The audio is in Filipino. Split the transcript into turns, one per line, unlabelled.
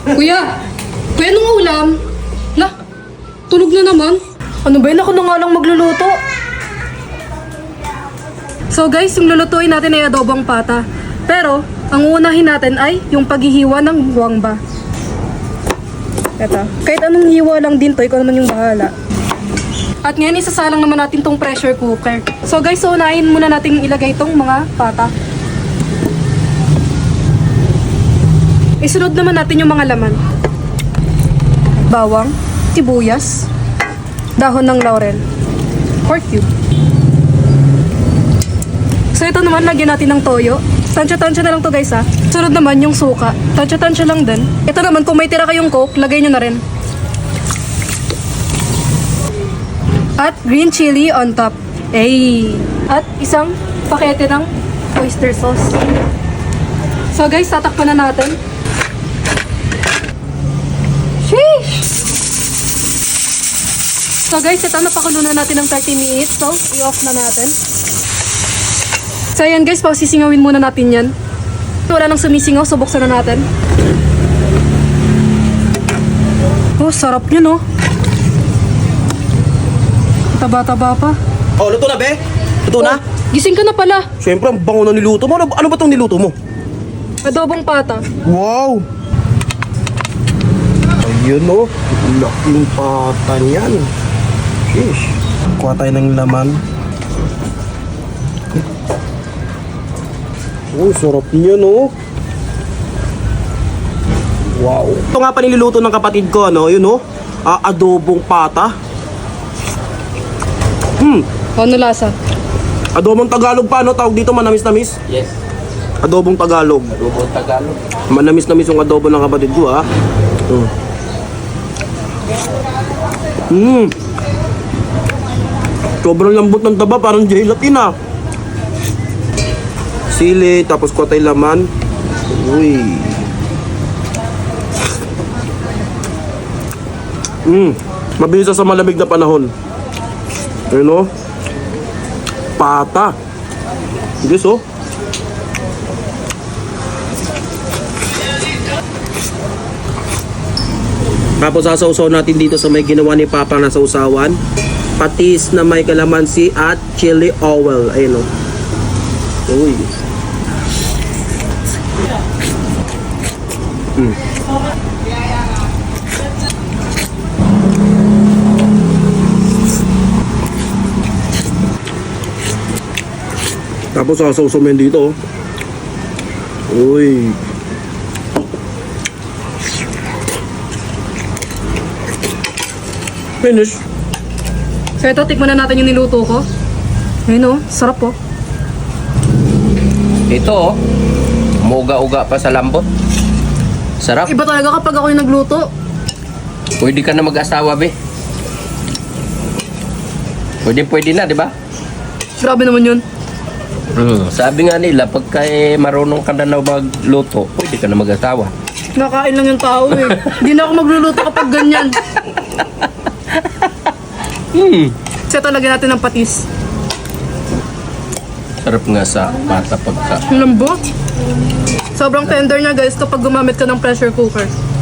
Kuya! Kuya, anong ulam? La, tunog na naman. Ano ba yun? Ako na nga lang magluluto. So guys, yung lulutuin natin ay adobong pata. Pero, ang uunahin natin ay yung paghihiwa ng guwangba. Eto. Kahit anong hiwa lang din to, ikaw naman yung bahala. At ngayon, isasalang naman natin tong pressure cooker. So guys, unahin muna natin ilagay tong mga pata. Isunod naman natin yung mga laman. Bawang, sibuyas, dahon ng laurel, pork cube. So ito naman, lagyan natin ng toyo. Tansya-tansya na lang to guys ha. Sunod naman yung suka. Tansya-tansya lang din. Ito naman, kung may tira kayong coke, lagay nyo na rin. At green chili on top. Ay! At isang pakete ng oyster sauce. So guys, tatakpan na natin. Sheesh! So guys, ito napakulo na natin ng 30 minutes. So, i-off na natin. So ayan guys, sisingawin muna natin yan. Wala nang sumisingaw, so buksan na natin. Oh, sarap yun oh. Taba-taba pa.
Oh, luto na, be? Luto na?
Gising ka na pala.
Siyempre, ang bango na niluto mo. Ano ba itong niluto mo?
Adobong pata.
Wow! Ayun, oh. Laking pata niyan. Sheesh. Kuha tayo ng laman. Oh, sarap niyan, oh. Wow. Ito nga pa niluluto ng kapatid ko, ano? Yun, oh. Adobong pata.
Ano lasa?
Adobong Tagalog pa, ano? Tawag dito, manamis-namis?
Yes,
Adobong Tagalog.
Robot Tagalog.
Manamis-namis yung adobo ng kapatid ko, ha? Sobrang lambot ng taba, parang gelatin, ha? Sili, tapos kuha tayo laman. Uy. Mabilis sa malamig na panahon. Ayun, oh. Pata. Yes, oh. Tapos sasawsaw natin dito sa may ginawa ni Papa na sausawan. Patis na may kalamansi at chili oil. Ayun, oh. Uy. Tapos sasawsaw mo yun dito, oh. Uy. Finish.
So ito, tikman na natin yung niluto ko. Ayun oh, sarap oh.
Ito, oh. Umuga-uga pa sa lambot. Sarap.
Iba talaga kapag ako yung nagluto.
Pwede ka na mag-asawa, be. Pwede na, di ba?
Grabe naman yun.
Sabi nga nila, pagka marunong ka na magluto, pwede ka na mag-asawa.
Nakain lang yung tao eh. Hindi na ako magluluto kapag ganyan. So ito, lagyan natin ng patis.
Sarap nga sa pata pagka.
Ang lambot. Sobrang tender niya guys kapag gumamit ka ng pressure cooker.